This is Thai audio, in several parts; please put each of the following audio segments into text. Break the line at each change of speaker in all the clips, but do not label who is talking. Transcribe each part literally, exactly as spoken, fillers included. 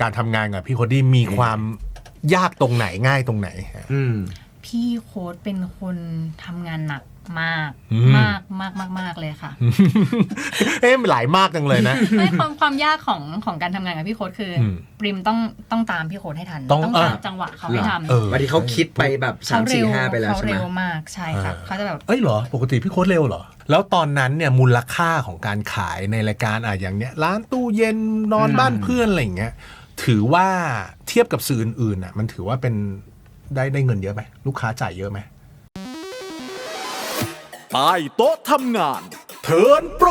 การทำงานกับพี่โคดี้มีความยากตรงไหนง่ายตรงไหน
อืม
พี่โค้ดเป็นคนทำงานหนักมากมากมากมากมากเลยค่ะ
เอ๊ะหลายมากจังเลยนะ
ไม่ความความยากของของการทำงานกับพี่โค้ดคือปริมต้องต้องตามพี่โค้ดให้ทันต้องตามจังหวะเขาให้ทำ
บางทีเขาคิดไปแบบสามสี่ห้าไปแล้วใช่ไหม
เขาเร็วมากใช่ค่ะเขาจะแบบ
เอ้ยเหรอปกติพี่โค้ดเร็วเหรอแล้วตอนนั้นเนี่ยมูลค่าของการขายในรายการอ่ะอย่างเนี้ยร้านตู้เย็นนอนบ้านเพื่อนอะไรอย่างเงี้ยถือว่าเทียบกับสื่ออื่นๆอ่ะมันถือว่าเป็นได้ได้เงินเยอะไหมลูกค้าจ่ายเยอะไหม
ใต้โต๊ะทำงาน
เทิร์นโปร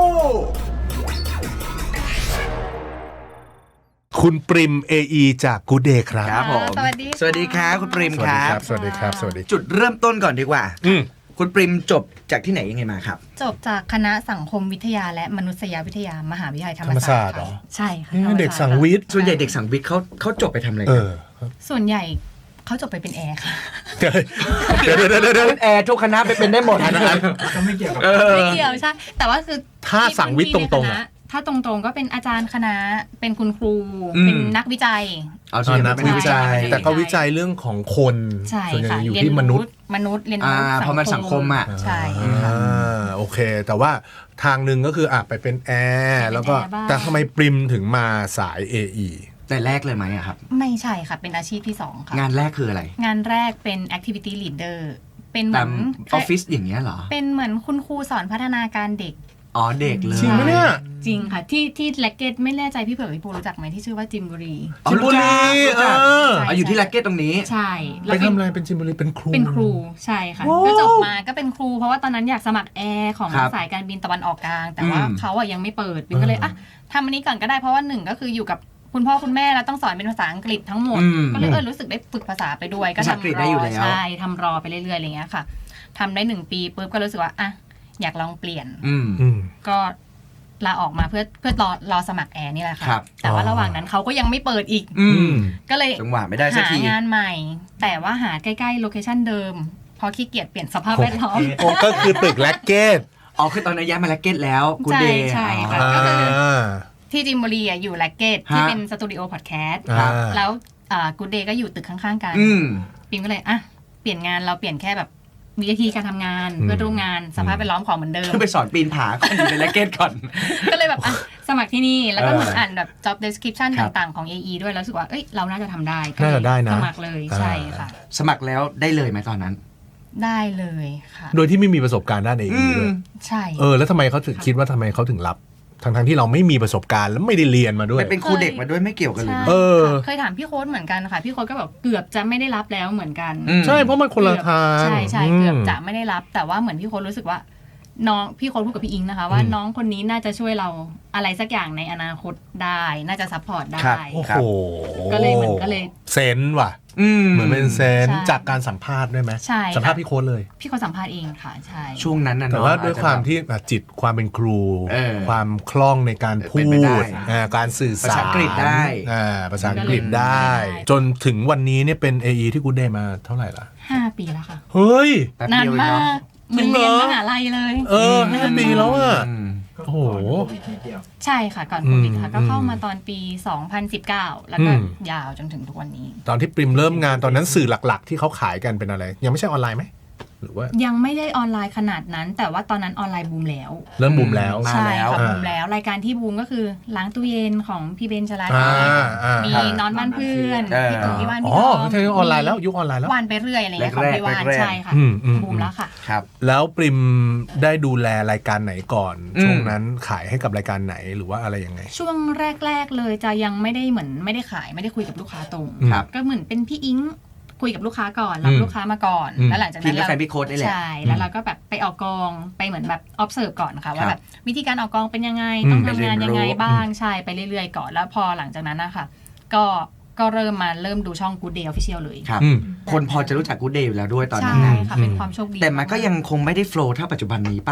คุณปริม เอ อี จาก Good Day ครับ
ครับผม
สวัสดี
สวัสดีครับคุณปริมครับ
สวัสดีครับสวัสดี
จุดเริ่มต้นก่อนดีกว่า
อืม
คุณปริมจบจากที่ไหนยังไงมาครับ
จบจากคณะสังคมวิทยาและมนุษยวิทยามหาวิทยาลัยธรรมศาสตร์ใช่ค่ะ
เด็กสังวิทย์
ส่วนใหญ่เด็กสังวิทย์เขาเขาจบไปทำอะไรกัน
ส่วนใหญ่เขาจบไปเป็นแอร์ค่ะ
เดี๋ยวเดี๋ยวเดี๋ยวเดี๋ยว
แอร์ทุกคณะไปเป็นได้หมดนะ
ก็ไม่เกี่ยวไม่เกี่ยวใช่แต่ว่าคือ
ถ้าสังวิทย์ตรง
ๆถ้าตรงๆก็เป็นอาจารย์คณะเป็นคุณครูเป็นนักวิจัย
เอาส่วน
นักวิจัยแต่ก็วิจัยเรื่องของคนส่วนใหญ่อยู่ที่มนุษย์
มนุษย์เรียนรู้
เพราะมันสังคมอ่ะ
ใช่ค่ะ
โอเคแต่ว่าทางหนึ่งก็คืออ่ะไปเป็นแอร์แล้วก็แต่ทำไมปริมถึงมาสาย เอ อี
แต่แรกเลยไหมอะครับ
ไม่ใช่ค่ะเป็นอาชีพที่สองค่ะ
งานแรกคืออะไร
งานแรกเป็น activity leader เป็นเหมือน
ออฟฟิศอย่างเงี้ยเหรอ
เป็นเหมือนคุณครูสอนพัฒนาการเด็ก
อ๋อเด็กเลย
จริงไหมเนี่ย
จริงค่ะที่ที่แล็กเก็ตไม่แน่ใจพี่เผือกพี่ปูรู้จักไหมที่ชื่อว่าจิมบุรี
จิมบุรีเออ
อยู่ที่แล็กเก็ตตรงนี้
ใช่
ไปทำอะไรเป็นจิมบุรีเป็นครู
เป็นครูใช่ค่ะก็จบมาก็เป็นครูเพราะว่าตอนนั้นอยากสมัครแอร์ของสายการบินตะวันออกกลางแต่ว่าเขาอ่ะยังไม่เปิดบินก็เลยอ่ะทำอันนี้ก่อนก็ได้เพราะว่าหนึ่งก็คืออยู่กับคุณพ่อคุณแม่แล้วต้องสอนเป็นภาษาอังกฤษทั้งหมดก็เลยเออรู้สึกได้ฝึกภาษาไปด้วยก็ทำรอใช่ทำรอไปเรื่อยๆอะไรเงี้ยค่ะทำได้หนึ่งปีปุ๊บก็รู้สึกว่าอ่ะอยากลองเปลี่ยนก็ลาออกมาเพื่อเพื่อรอรอสมัครแอร์นี่แหละค่ะแต่ว่าระหว่างนั้นเขาก็ยังไม่เปิดอีกก็เลย
จังหวะไม่ได้สักที
หางานใหม่แต่ว่าหาใกล้ๆโลเคชั่นเดิมพอขี้เกียจเปลี่ยนสภาพแวดล้อม
ก็คือตึกแล็กเก็ต
อ๋อคือตอนนั้นย้ายมาแล็กเก็ตแล้วกูเดย์
ใช่ค่ะก็คือที่จิมบุรีอ่ะอยู่แล็กเก็ตที่เป็นสตูดิโอพอดแคสต์แล้วกูเดย์ก็อยู่ตึกข้างๆกันปิมก็เลยอ่ะเปลี่ยนงานเราเปลี่ยนแค่แบบวิธีการทำงานเพื่อร่วมงานสภาพแวดล้อมของเหมือนเดิม
ไปสอนปีนผาก่อนอยู่ในแล็กเก็ตก่อน
ก็เลยแบบอ่ะสมัครที่นี่แล้วก็เหมือนอ่านแบบ job description ต่างๆของ เอ อี ด้วยแล้วรู้สึกว่าเอ้ยเราน่าจะทำได้
ก็เลย
สมัครเลยใช่ค่ะ
สมัครแล้วได้เลยไหมตอนนั้น
ได้เลยค่ะ
โดยที่ไม่มีประสบการณ์ด้าน เอ อี ด้วย
ใช่
เออแล้วทำไมเขาถึงคิดว่าทำไมเขาถึงรับทั้งๆที่เราไม่มีประสบการณ์แล้วไม่ได้เรียนมาด้วย
เป็นครูเด็กมาด้วยไม่เกี่ยวกันเลย
เออ
เคยถามพี่โค้ดเหมือนกันค่ะพี่โค้ดก็แบบเกือบจะไม่ได้รับแล้วเหมือนกัน
ใช่เพราะมันคนละทาง
ใช่ใช่เกือบจะไม่ได้รับแต่ว่าเหมือนพี่โค้ดรู้สึกว่าน้องพี่โค้ดพูดกับพี่อิงนะคะว่าน้องคนนี้น่าจะช่วยเราอะไรสักอย่างในอนาคตได้น่าจะซัพพอร์ตได้
โอ้โห
ก็เลยเหมือนก็เลย
เซนส์ว่ะเหมือนเป็นเซนจากการสัมภาษณ์ด้วยไหม
ใช่
สัมภาษณ์พี่โค้ดเลย
พี่โค้ดสัมภาษณ์เองค่ะใช่
ช่วงนั้นนะ
แต่ว่าด้วยความที่จิตความเป็นครูความคล่องในการพูดการสื่อสาร
ภาษาอังกฤษได้
ภาษาอังกฤษได้จนถึงวันนี้เนี่ยเป็น เอ อี ที่ Good Day มาเท่าไหร่ละ
ห้าปีแล้วค่ะ
เฮ้ย
นานมากเหมือนเรียนมหาลัยเลย
เออห้าปีแล้วอ่ะโอ้โห
ใช่ค่ะก่อนโควิดค่ะก็เข้ามาตอนปีสองพันสิบเก้าแล้วก็ยาวจนถึงทุกวันนี้
ตอนที่ปริมเริ่มงานตอนนั้นสื่อหลักๆที่เขาขายกันเป็นอะไรยังไม่ใช่ออนไลน์ไหมหรือว่า
ยังไม่ได้ออนไลน์ขนาดนั้นแต่ว่าตอนนั้นออนไลน์บูมแล้ว
เริ่มบูมแล้ว
ใช่ค่ะบูมแล้วรายการที่บูมก็คือล้างตู้เย็นของพี่เบนชลาธีมีนอนบ้านเพื่อนพี่ตู่พี่ว่านพี่
อ๋อไม่ใช่ออนไลน์แล้วยุคออนไลน์แล้ว
วันไปเรื่อยอะไรเงี้ยของพี่ว่านใช่ค่ะบูมแล้วค่ะ
ครับ
แล้วปริมได้ดูแลรายการไหนก่อนช่วงนั้นขายให้กับรายการไหนหรือว่าอะไรยังไง
ช่วงแรกๆเลยจะยังไม่ได้เหมือนไม่ได้ขายไม่ได้คุยกับลูกค้าตรงก็เหมือนเป็นพี่อิงคุยกับลูกค้าก่อนรับลูกค้ามาก่อนแล้วหลังจากนั้นเราใช่แล้วเราก็แบบไปออกกองไปเหมือนแบบ observe ก่อนค่ะว่าแบบวิธีการออกกองเป็นยังไงต้องทำงานยังไงบ้างใช่ไปเรื่อยๆก่อนแล้วพอหลังจากนั้นนะคะก็ก็เริ่มมาเริ่มดูช่อง Good Day Official เลย
ครับคนพอจะรู้จัก Good Day อยู่แล้วด้วยตอนนั้น
ใช่ค่ะเป็นความโชคดี
แต่มันก็ยังคงไม่ได้โฟลว์เท่าปัจจุบันนี้ป่ะ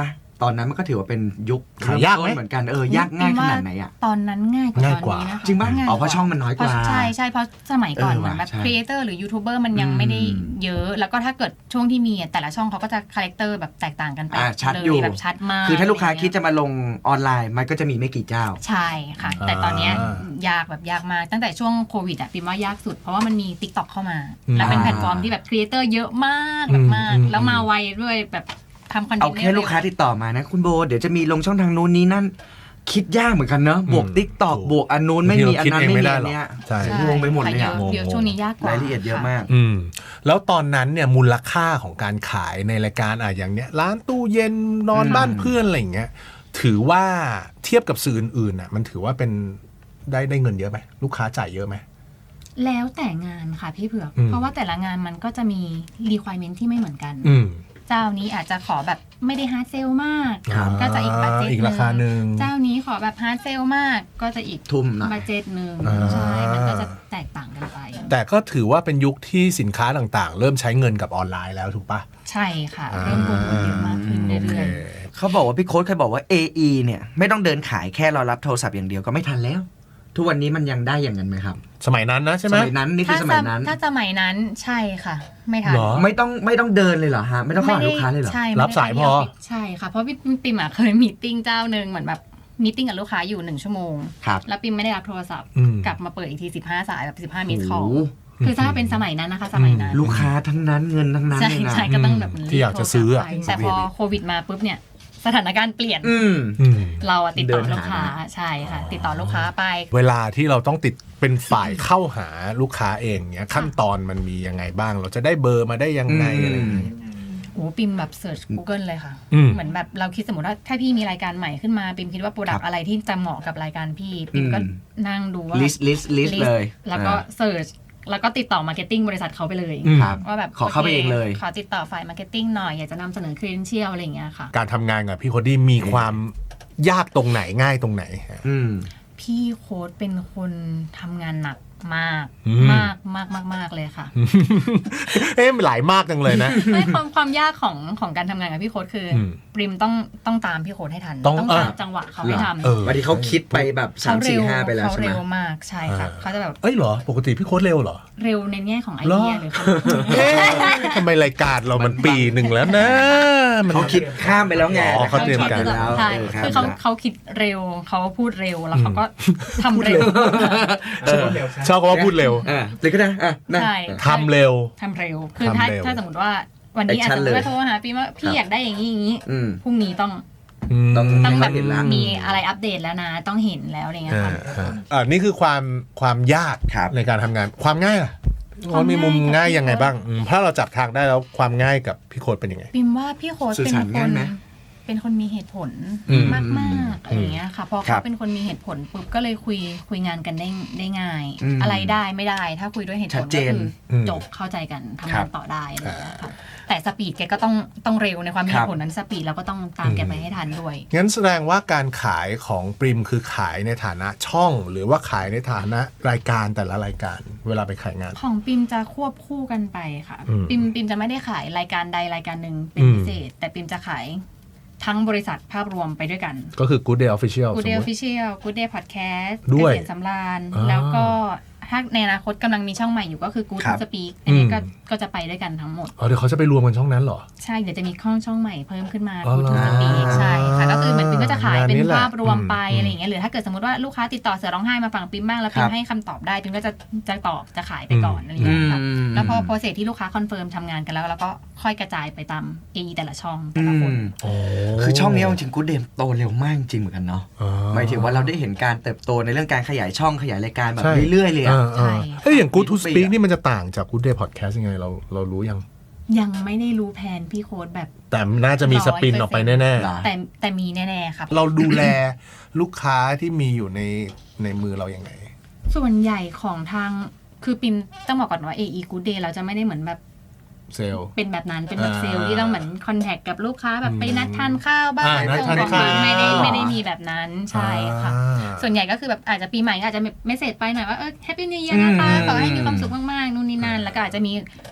ตอนนั้นมันก็ถือว่าเป็นยุค
ขายยากไหม
เริ่ต้นเหมือนกันเออยากง่ายขนาดไหนอ่ะ
ตอนนั้นง่ายกว่า
ง่าย
ต
ก
อน
ว่า
นี้นะคะ
จริงป่ะ
ง่ย
อ๋อเพราะช่องมันน้อยกว่า
เพราะใช่ใช่เพราะสมัยก่อน
เออ
เหมือนแบบ
ว่ะใช่
ครีเอเตอร์หรือยูทูบเบอร์มันยังไม่ได้
อืม
เยอะ แล้วก็ถ้าเกิดช่วงที่มีอะแต่ละช่องเขาก็จะคาแรคเตอร์แบบแตกต่างกันไป
อ่าชัด
เล
อยู่
แบบชัดมาก
คือถ้าลูกค้า
ะไร
คิด
เงี้ย
จะมาลงออนไลน์มันก็จะมีไม่กี่เจ้า
ใช่ค่ะ แต่ตอนเนี้ย
อ่าย
ากแบบยากมากตั้งแต่ช่วงโควิดอ่ะปิมว่ายากสุดเพราะว่ามันมี TikTok เข้ามา
อืม
แล้วเป็นแพลตฟอร์มที่แบบครีเอเตอร์เยอะมากแบบมาก
อืม
แล้วมาไวด้วยแบบทำคอนเทน
เอา
ต์
แค่ลูกค้าติดต่อมานะคุณโบเดี๋ยวจะมีลงช่องทางนู้นนี้นั่น คิดยากเหมือนกันเนอะบวก
อืม
ติ๊กตอก
ถูก
บวกอันนู้นไม่มีอันนั้น
บางที
ไม่
เราคิดเองไม่ได้
มีอัน
หรอก
เนี้ย
ใช่
ใช่
งงไปหมดเลย
ค่ะ
อะ
เยอะเยอะช่วงนี้ยากกว่าร
ายละเอียดเยอะมาก
อืมแล้วตอนนั้นเนี่ยมูลค่าของการขายในรายการอ่ะอย่างเนี้ยร้านตู้เย็นนอน
อืม
บ้านเพื่อนอะไรอย่างเงี้ยถือว่าเทียบกับสื่ออื่นๆอ่ะมันถือว่าเป็นได้ได้เงินเยอะไหมลูกค้าจ่ายเยอะไหม
แล้วแต่งานค่ะพี่เผือก
อืม
เพราะว่าแต่ละงานมันก็จะมี requirement ที่ไม่เหมือนกัน
อืม
เจ้านี้อาจจะขอแบบไม่ได้ฮาร์ดเซลมาก
ครับ
ก็จะอีกบัตเจ็ต
อีกราคาหนึ่ง
เจ้านี้ขอแบบฮาร์ดเซลมากก็จะอีก
ทุ่มหน่อย
บัตเจ็ตหนึ่ง
อ่า
ใช่มันก็จะแตกต่างกันไป
แต่ก็ถือว่าเป็นยุคที่สินค้าต่างๆ เริ่มใช้เงินกับออนไลน์แล้วถูกปะ
ใช่ค่ะ เริ่มโปรโมทเยอะมากขึ้น
โอ
เรื่
เค
อย
เขาบอกว่าพี่โค้ดเคยบอกว่า เอ อี เนี่ยไม่ต้องเดินขายแค่เรารับโทรศัพท์อย่างเดียวก็ไม่ทันแล้ว ทุกวันนี้มันยังได้อย่างนั้นไหมครับ
สมัยนั้นนะใช่ไหม
สมัยนั้นนี่
ๆ
คือ
ถ้า
สมัยนั้น
ถ้าสมัยนั้นใช่ค่ะ ไม่ทัน
เหรอ
ไม่ต้องไม่ต้องเดินเลยเหรอฮะไม่ต้องเข้าหาลูกค้าเลยเหรอ
ใช่
รับสายพอ
ใช่ค่ะ เพราะพี่ปิมอะเคยมีตติ้งเจ้าหนึ่งเหมือนแบบมีตติ้งกับลูกค้าอยู่หนึ่งชั่วโมง
ครับ
แล้วปิมไม่ได้รับโทรศัพท์
อืม
กลับมาเปิดอีกทีสิบห้าสายแบบสิบห้ามิสคอล
โอ้โห
คือถ้าเป็นสมัยนั้นนะคะ สมัยนั้น
ลูกค้าทั้งนั้นเงินทั้งนั้น
ใช่
เลยนะ
ใช่ก็ต้องแบบ
ที่อยากจะซื้ออะ
รีบโทรศัพท์ไปแต่พอโควิดมาปุ๊บเนี่ย สถานการณ์เปลี่ยน
อืม
อืม
เราอะติดต่อ
เดินหา
ลูกค้าใช่ค่ะ ติดต่อลูกค้าไป
เวลาที่เราต้องติดเป็นฝ่ายเข้าหาลูกค้าเองเนี้ยขั้นตอนมันมียังไงบ้าง เราจะได้เบอร์มาได้ยังไงอะไรอย่างเงี้ย
โอ้ปิมแบบเสิร์ช Google เลยค่ะ
อืม
เหมือนแบบเราคิดสมมติว่าถ้าพี่มีรายการใหม่ขึ้นมาปิมคิดว่าโปรดัก
ครับ
ต์อะไรที่จะเหมาะกับรายการพี่ปิมก็
อืม
นั่งดูว่า
ลิสต์ลิสต์ลิสต์เลย
แล้วก็เสิร์ชแล้วก็ติดต่อมาร์เก็ตติ้งบริษัทเขาไปเลย
อืม
ครับ
ว่าแบบ
ขอเข้าไป
โค
เองเลย
ขอติดต่อฝ่ายมาร์เก็ตติ้งหน่อย อยากจะนำเสนอ credential อะไรอย่างเงี้ยค่ะ
การทำงานกับพี่โคดี้มีความยากตรงไหนง่ายตรงไหน
อืม
พี่โค้ดเป็นคนทำงานหนักมาก
อืม
มากมากมากมากเลยค่ะ
เอ๊ะหลายมากจังเลยนะ
ไม่ความความยากของของการทำงานกับพี่โค้ดคืออ
ม
ปริมต้องต้องตามพี่โค้ดให้ทัน
ต้อง
ตาม
เออ
จังหวะเขาให้ทำ
เออ
วันนี้เขาคิดไปแบบสาม
เขา
สี่
เร็ว
ห้าไปแล้ว
เขา
ใช่ไหม
เร็วมากใช่ค่ะ
อ่า
เขาจะแบบ
เอ้ยเหรอ ปกติพี่โค้ดเร็วเหรอ
เร็วในแง่ของไอ
เหรอ
เดียหรือเขา
เอ๊ะทำไมรายการเรามันปีหนึ่งแล้วนะมัน
เขาคิดข้ามไปแล้วไง
อ๋อเขาเตรียมการ
ขคิดแล้ว
ใช่
เออ
คือ
ข้า
เขา
มไปแล้ว
เขาคิดเร็วเขาพูดเร็วแล้วเขาก็ทำเร็ว
เออ
ชอบคำว่าพูดเร็ว
อ่ะเลยก็ได้อ่ะนะ
ใช่
ทำเร็ว
ทำเร็ว คือถ้า
ทำเร็ว
ถ้าสมมติว่าวันนี้อาจ
Action
จะ
เลย
ไม่โทรหาพี่ว่าพี่อยากได้อย่างนี้อย่างนี้
อืม
พรุ่งนี้ต้อง
ต้อง
ต้องแบบ
ให้เขาเห็นละ
มีอะไรอัปเดตแล้วนะ ต้องเห็นแล้วอะไรเงี้ย
อ่า
ค่ะ
อ่าอ่านี่คือความความยาก
ครับ
ในการทำงานความง่ายล่ะ
ความ
มันมีมุม
ง่าย
ง่าย
กับ
ยังไง
พี่โค้ด
บ้างอืมถ้าเราจับทางได้แล้วความง่ายกับพี่โค้ดเป็นยังไง
ปิมว่าพี่โค้ด
สื่อ
เป็น
สาร
ค
ง่าย
น
ไหม
เป็นคนมีเหตุผล
อืม
มากมากๆอะไรอย่างเงี้ยค่ะพอ
ครั
เขา
บ
เป็นคนมีเหตุผลปุ๊บก็เลยคุยคุยงานกันได้ได้ง่าย
อืม
อะไรได้ไม่ได้ ถ้าคุยด้วยเหตุผ
ชั
ล
ดเจ
ก็
น
คืออ
ม
จบเข้าใจกันทำ
ครั
งาน
บ
ต่อได้อะไรอย่างเงี้ยค่ะแต่สปีดแกก็ต้องต้องเร็วในความมี
ค
เห
รับ
ตุผลนั้นสปีดเราก็ต้องตามแกไปให้ทันด้วย
งั้นแสดงว่าการขายของปริมคือขายในฐานะช่อง หรือว่าขายในฐานะรายการแต่ละรายการ เวลาไปขายงาน
ของปิมจะควบคู่กันไปค่ะ
อืม
ปิมปิมจะไม่ได้ขายรายการใดรายการหนึ่งเป็น
อืม
พิเศษ แต่ปิมจะขายทั้งบริษัทภาพรวมไปด้วยกัน
ก็คือ Good Day Official
Good
สม
Day
มติ
Official Good Day Podcast
ด้วย
เกษตรสำราญ
อ่า
แล้วก็ถ้าในอนาคตกำลังมีช่องใหม่อยู่ก็คือ Good
ครับ
Speak อันนี้ก็
อืม
ก็จะไปด้วยกันทั้งหมด
อ๋อเดี๋ยวเขาจะไปรวมกันช่องนั้นเหรอ
ใช่ เดี๋ยวจะมีข้องช่องใหม่เพิ่มขึ้นมา
อ๋อ
Good
เหรอ
Speak ใช่ค่ะ ก็คือเหมือนปิมก็จะขายเป็น
งานนี้แหละ
ภาพรวมไป
อืม
อะไรอย่างเงี้ยหรือถ้าเกิดสมมติว่าลูกค้าติดต่อเสือร้องไห้มาฝั่งปิมบ้างแล้วปิ
ครั
ม
บ
ให้คำตอบได้ปิมก็จะจะตอบจะขายไปก่อนอะไรอย่างเงี้ยค่ะ
อืม
แล้วพอโปรเซสที่ลูกค้าคอนเฟิร์มทำงานกันแล้วแล้วก็ค่อยกระจายไปตาม เอ อี แต่ละช่องแต่
อื
ละคน
ม
โอ้
คือช่องนี้เอาจริงกูเดมโตเร็วมากจริงเหมือนกันเนาะ
อ๋อ
หมายถึงว่าเราได้เห็นการเติบโตในเรื่องการขยายช่องขยายรายการแบบ
ใช่
เรื่อยๆเลย
เอ
อะ
อเออเอ้ยอย่าง Good to Speak นี่มันจะต่างจาก Good Day Podcast ยังไงเราเรารู้ยัง
ยังไม่ได้รู้แผนพี่โค้ดแบบ
แต่น่าจะมีสปินออกไปแน่
เหรอ
แต่แต่มีแน่ๆครับ
ๆ เราดูแลลูกค้าที่มีอยู่ในในมือเรายังไง
ส่วนใหญ่ของทางคือปิมต้องบอกก่อนว่า เอ อี Good Day เราจะไม่ได้เหมือนแบบ
เซลล์
เป็นแบบนั้นเป็นแบบ
อ่า
เซลล์ที่ต้องเหมือนคอนแทคกับลูกค้าแบบ
อืม
ไปนัดทานข้าวบ้าง
อ่านัด
ส่ง
ทาน
ของ
ข้าว
ไม่ได้ไม่ได้มีแบบนั้นใช่ค่ะ
อ่า
ส่วนใหญ่ก็คือแบบอาจจะปีใหม่ก็อาจจะเมสเซจไปหน่อยว่าเออแฮปปี้นิวเยียร์นะคะ
อืม
ขอให้มีความสุขมากๆนู่นนี่นั่นแล้วก็อาจจะมี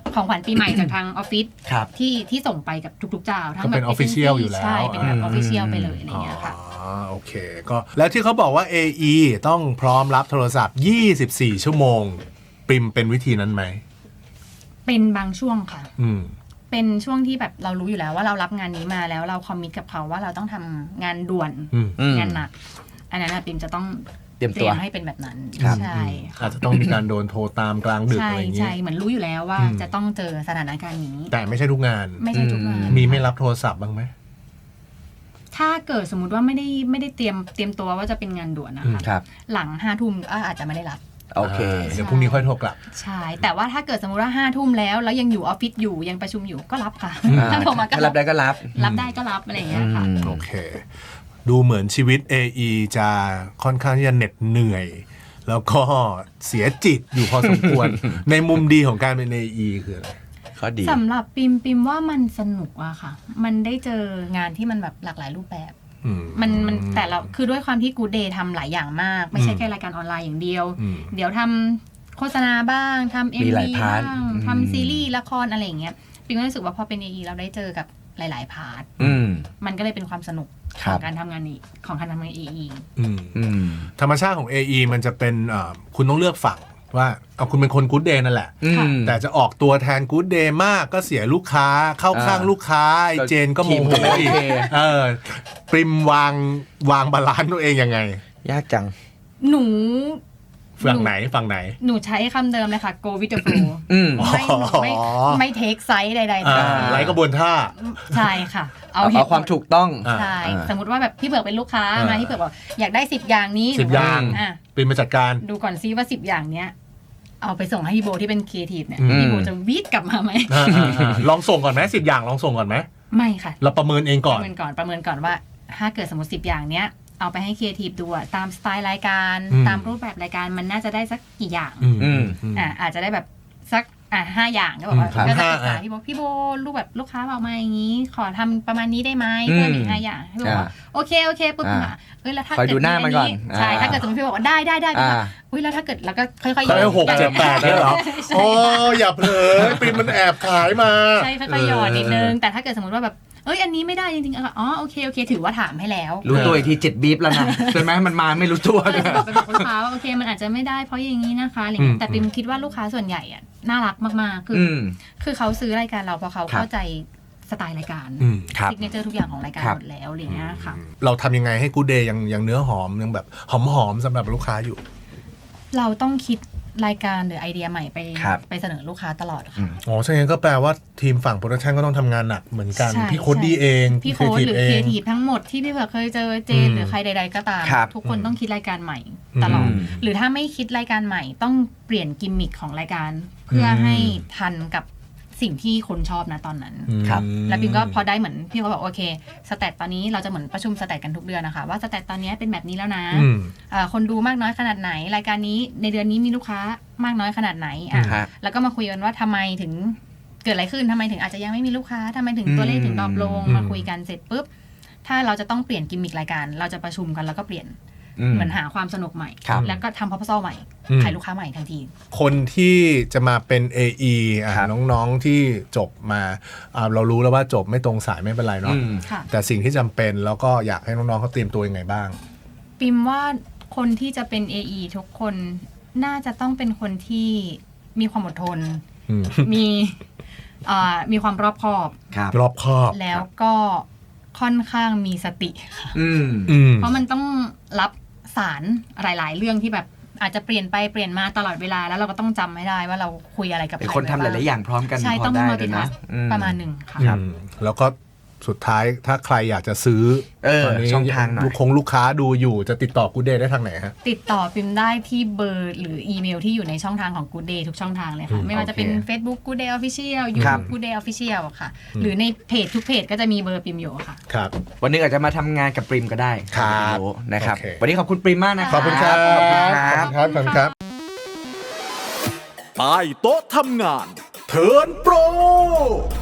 ของขวัญปีใหม่จากทางออฟฟิศ
ครับ
ที่ที่ส่งไปกับทุกๆเจ้าทั้ง
ก็
แบ
เป็
บ
น official อยู่แล้ว
ใช่เป็นแบบ
อื
อ
ม
อฟฟิเชียลไปเลยอะไรอย่างเงี้ยค่ะ
อ๋อโอเคก็แล้วที่เขาบอกว่า เอ อี ต้องพร้อมรับโทรศัพท์ ยี่สิบสี่ ชั่วโมง ปริมเป็นวิธีนั้นไหม
เป็นบางช่วงค่ะ
อืม
เป็นช่วงที่แบบเรารู้อยู่แล้วว่าเรารับงานนี้มาแล้วเราคอมมิตกับเขาว่าเราต้องทำงานด่วน
อืม
อืม
งานหนัก อันนั้นนะปิมจะต้อง
เตรียมตัว
ให้เป็นแบบนั้น
ครับ
ใช่
อาจจะต้องมีการโดนโทรตามกลางดึก
ใช่
อะไรอย่างงี้
ใช่เหมือนรู้อยู่แล้วว่า
อืม
จะต้องเจอสถานการณ์นี้
แต่ไม่ใช่ทุกงาน
ไม่ใช่ทุกงาน
มีไม่รับโทรศัพท์บ้างไหม
ถ้าเกิดสมมุติว่าไม่ได้ไม่ได้เตรียมเตรียมตัวว่าจะเป็นงานด่วนนะคะ
ครับ
หลังห้าทุ่มก็อาจจะไม่ได้รับ
โอเค
เดี๋ยวพรุ่งนี้ค่อยโทรกลับ
ใช่ แต่ว่าถ้าเกิดสมมุติว่าห้าทุ่มแล้วแล้วยังอยู่ออฟฟิศอยู่ยังประชุมอยู่ก็รับค่ะ
อ่า
ถ้าโทรมาก็
ถ้ารับได้ก็รับ
รับได้ก็รับอะไรอย่างเงี้ยค่ะ
อืม
โอเค ดูเหมือนชีวิต เอ อี จะค่อนข้างที่จะเหน็ดเหนื่อย แล้วก็เสียจิตอยู่พอสมควร ในมุมดีของการเป็น เอ อี คืออะไร
ข้อดี
สำหรับปิมปิมว่ามันสนุกอะค่ะ มันได้เจองานที่มันแบบหลากหลายรูปแบบ
อื
มันมันแต่ละคือด้วยความที่กูเดย์ทำหลายอย่างมาก ไม่ใช่แค่รายการออนไลน์อย่างเดียว
อืม
เดี๋ยวทำโฆษณาบ้างทำเอ็ม
มีหลาย
วี
พาร์ท
บ้าง
อืม
ทำซีรีส์ละครอะไรอย่างเงี้ยปิมก็รู้สึกว่าพอเป็น เอ อี เราได้เจอกับหลาย ๆ พาร์ท
อืม
มันก็เลยเป็นความสนุก
ค
ข
รั
อบ งการทำงานนี้ของการทำงาน เอ อี
อืม
อืม
ธรรมชาติของ เอ อี มันจะเป็นเอ่อคุณต้องเลือกฝั่งว่าเอาคุณเป็นคนกู๊ดเดย์นั่นแหละ
อืม
แต่จะออกตัวแทนกู๊ดเดย์มากก็เสียลูกค้าเข้าข้าง
อ่า
ลูกค้าไอ้เจนก็โม
ทีม
โห
ก็ไม่โอ
อีก
เค
เออปริมวางวางบาลานซ์ตัวเองยังไง
ยากจัง
หนู
ฝั่งไหนฝั่งไหน
หนูใช้คำเดิมเลยค่ะ go with the flow
อืม
ไม่หนูไม่ไม่เทคไซส์ใดๆ
อ่า
ทั้งสิ้น
ไร้กระบวนท่า
ใช่ค่ะ เอา
เอา
เห
เอา
ตุ
ความถูกต้อง
อ่า
ใช่
อ่า
สมมติว่าแบบพี่เบิร์กเป็นลูกค้า
อ่าม
มาพี่เบิร์กบอกอยากได้สิบอย่างนี้
สิบ
หนู
อย่าง
อ่ะ
ปริมมาจัดการ
ดูก่อนซิว่าสิบอย่างเนี้ย เอาไปส่งให้พี่โบที่เป็นครีเอทีฟเนี่ย
อืม
พี่โบจะวีดกลับมาไหม
อ่าอ่าอ่าลองส่งก่อนไหมสิบอย่างลองส่งก่อนไหม
ไม่ค่ะ
เราประเมินเอง
ป
ก่อน
ระเมินก่อนประเมินก่อนว่า ถ้าเกิดสมมติสิบอย่างเนี้ยเอาไปให้ครีเอทีฟดูอะตามสไตล์รายการ
อืม
ตามรูปแบบรายการมันน่าจะได้สักกี่อย่าง
อืม
อืม
อืม
อ่าอาจจะได้แบบสักอ่าห้าอย่างก็บอกว่า
อืม
ก็จะ
ห้า
ปรึกษา
อ่ะ
พี่โบพี่โบรูปแบบลูกค้าบอกมาอย่างนี้ ขอทำประมาณนี้ได้ไหม
อืม
เพิ่มอีกห้าอย่างพี่โบบอกว่า
อ่า
โอเคโอเคปุ๊บ
อ่า
อ่ะเอ้ยแล้วถ้า
คอยดูหน้ามันก่อน
ใช่
อ่า
ถ้าเกิดสมมติพี่บอกว่าได้ได้ได้
อ่า
อุ้ยแล้วถ้าเกิดแล้วก็ค่อยๆ
เขาได้หกเจ็ดแปดเนี่ยเหรอ โอ้อย่าเผลอปริมมันแอบขายมา
ใช่ค่อยๆหยอดนิดนึงแต่ถ้าเกิดสมมติว่าแบบเอ้ยอันนี้ไม่ได้จริงๆอ่ะอ๋อโอเคโอเคถือว่าถามให้แล้ว
รู้ตัวอีกทีเจ็ดบีบแล้วนะใช่ไหมมันมาไม่รู้ตัว
ก็เลยบอกไปบอกลูกค้าว่าโอเคมันอาจจะไม่ได้เพราะอย่างนี้นะคะอะไรเงี้
อื
ย
ม
แต่ปิมคิดว่าลูกค้าส่วนใหญ่อะน่ารักมากๆคือ
อื
อ
ม
คือเขาซื้อรายการเราเพราะเขา
ครับ
เข้าใจสไตล์รายการ
อืม
ครับ
ซิกเนเจอร์ทุกอย่างของรายการ
ครับ
หมดแล้วอะไรเงี้ยค่ะ
เราทำยังไงให้กูเดย์ยังยังเนื้อหอมยังแบบหอมหอมๆสำหรับลูกค้าอยู่
เราต้องคิดรายการหรือไอเดียใหม่ไป
ครับ
ไปเสนอลูกค้าตลอด
อื
ค่ะ
ม
อ๋อใช่งั้นก็แปลว่าทีมฝั่งโปรดักชันก็ต้องทำงานหนักเหมือนกัน
ใช่
พี่โค้ดดีเอง
พี่โค้ดหรือ
เอ
ครีเอง ทีฟทั้งหมดที่พี่เผือกเคยเจอเจน
อืม
หรือใครใด ๆ ก็ตาม
ครับ
ทุกคน
อืม
ต้องคิดรายการใหม่ตลอด
อืม
หรือถ้าไม่คิดรายการใหม่ต้องเปลี่ยนกิมมิคของรายการ เพื่ออ
ม
ให้ทันกับสิ่งที่คนชอบนะตอนนั้น
ครับ
แล้วปิมก็พอได้เหมือนพี่เขาบอกโอเคสแตทตอนนี้เราจะเหมือนประชุมสแตทกันทุกเดือนนะคะว่าสแตทตอนนี้เป็นแบบนี้แล้วนะ
อืม
เอ่อคนดูมากน้อยขนาดไหน รายการนี้ในเดือนนี้มีลูกค้ามากน้อยขนาดไหนอ่ะ
ฮะ
แล้วก็มาคุยกันว่าทำไมถึงเกิดอะไรขึ้นทำไมถึงอาจจะยังไม่มีลูกค้าทำไมถึง
อืม
ตัวเลขถึงดรอปลง
อืม
มาคุยกันเสร็จปุ๊บถ้าเราจะต้องเปลี่ยนกิมมิครายการ เราจะประชุมกันแล้วก็เปลี่ยน
อืม
เหมือนหาความสนุกใหม่
ครับ
แล้วก็ทำ proposal ใหม่
อืม
ขายลูกค้าใหม่ทันที
คนที่จะมาเป็น เอ อี อ่ะ
ครับ
น้องๆที่จบมาอ่าเรารู้แล้วว่าจบไม่ตรงสายไม่เป็นไรเนาะ
อืม
ค่ะ
แต่สิ่งที่จำเป็นแล้วก็อยากให้น้องๆเขาเตรียมตัวยังไงบ้าง
ปิมว่าคนที่จะเป็น เอ อี ทุกคนน่าจะต้องเป็นคนที่มีความอดทน
อืม
มีอ่ามีความรอบคอบ
ครับ
รอบคอบ
แล้วก็ค่อนข้างมีสติค่ะ
อืม
อืม
เพราะมันต้องรับสารหลาย ๆ เรื่องที่แบบอาจจะเปลี่ยนไปเปลี่ยนมาตลอดเวลาแล้วเราก็ต้องจำให้ได้ว่าเราคุยอะไรกับใคร
เป็นคนทำหลายๆอย่างพร้อมกัน
ใช่
พ
ต้อง
ได้
มัล
เล
ติ
ย
ทั
นะ
ส
อื
ประมาณหนึ่งค่ะ
อืมแล้วก็สุดท้ายถ้าใครอยากจะซื้อ
เออ
ตอนนี้
ช่องทางหน่อย
ลูกคงลูกค้าดูอยู่จะติดต่อกูเดย์ได้ทางไหนฮะ
ติดต่อปิมได้ที่เบอร์หรืออีเมลที่อยู่ในช่องทางของ Good Day ทุกช่องทางเลย
อื
ค่ะ
ม
ไม่ว่าจะเป็น
โอเค
Facebook Good Day Official
ครับ
YouTube Good Day Official อะค่ะ
อืม
หรือในเพจทุกเพจก็จะมีเบอร์ปิมอยู่ค่ะ
ครับ
วันหนึงอาจจะมาทำงานกับปริมก็ได้
ครับ
ไม่รู้นะครับ
โอเค
วันนี้ขอบคุณปริมมากนะค
ข
รั
อบคุณครับ
ขอบคุณครับ
ขอบคุณครับ
ใต้โต๊ะทำงาน
เทิร์นโปร